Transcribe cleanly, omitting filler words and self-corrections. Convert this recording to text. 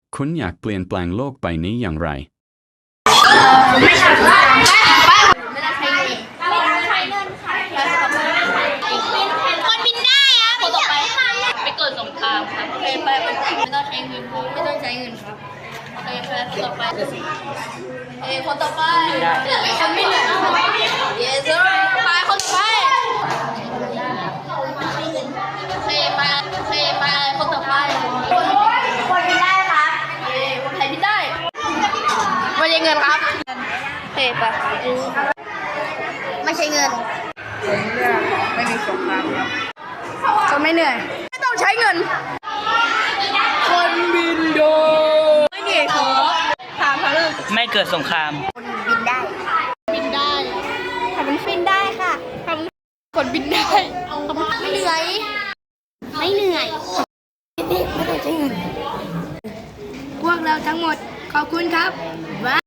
คุณอยากเปลี่ยนแปลงโลกใบนี้อย่างไรไม่ใช่ไม่ได้ใช้เงินคนบินได้อะคนต่อไปไปเกิดสงครามครับโอเคไปไม่ต้องใช้เงินไม่ต้องใช้เงินครับโอเคไปคนต่อไปคนต่อไปคนไม่เหนื่อยเยสไปคนต่อไปโอเคไปคนต่อไปคนบินได้ครับคนไทยบินได้ไม่ใช่เงินครับโอเคไปไม่ใช่เงินไม่มีสงครามครับคนไม่เหนื่อยไม่ต้องใช้เงินคนบินโดไม่เหนื่อยขอถามเขาเลยไม่เกิดสงครามบินได้บินได้ทำบินได้ค่ะทำคนบินได้ไม่เหนื่อยไม่เหนื่อยไม่ต้องใช้เงินพวกเราทั้งหมดขอบคุณครับ